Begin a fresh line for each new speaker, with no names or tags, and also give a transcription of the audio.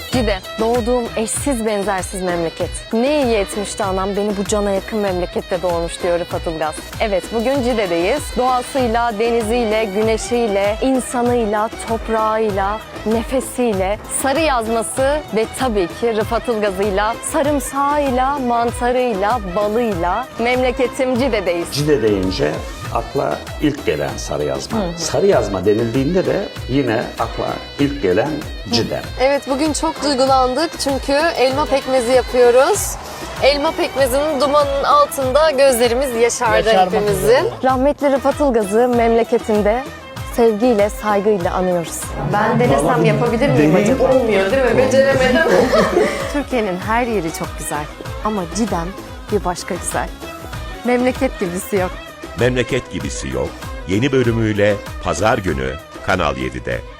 Cide, doğduğum eşsiz benzersiz memleket. Ne iyi etmişti anam beni bu cana yakın memlekette doğurmuş diyor Rıfat Ilgaz. Evet, bugün Cide'deyiz. Doğasıyla, deniziyle, güneşiyle, insanıyla, toprağıyla, nefesiyle, sarı yazması ve tabii ki Rıfat Ilgaz'ıyla, sarımsağıyla, mantarıyla, balıyla memleketim Cide'deyiz.
Cide deyince akla ilk gelen sarı yazma. Sarı yazma denildiğinde de yine akla ilk gelen Cide.
Evet, bugün çok duygulandık çünkü elma pekmezi yapıyoruz. Elma pekmezinin dumanının altında gözlerimiz yaşardı hepimizin. Rahmetli Rıfat Ilgaz'ı memleketinde sevgiyle, saygıyla anıyoruz. Ben denesem yapabilir miyim acaba? Olmuyor değil mi? Beceremedim. Türkiye'nin her yeri çok güzel ama Cidem bir başka güzel. Memleket gibisi yok.
Memleket gibisi yok. Yeni bölümüyle Pazar günü Kanal 7'de.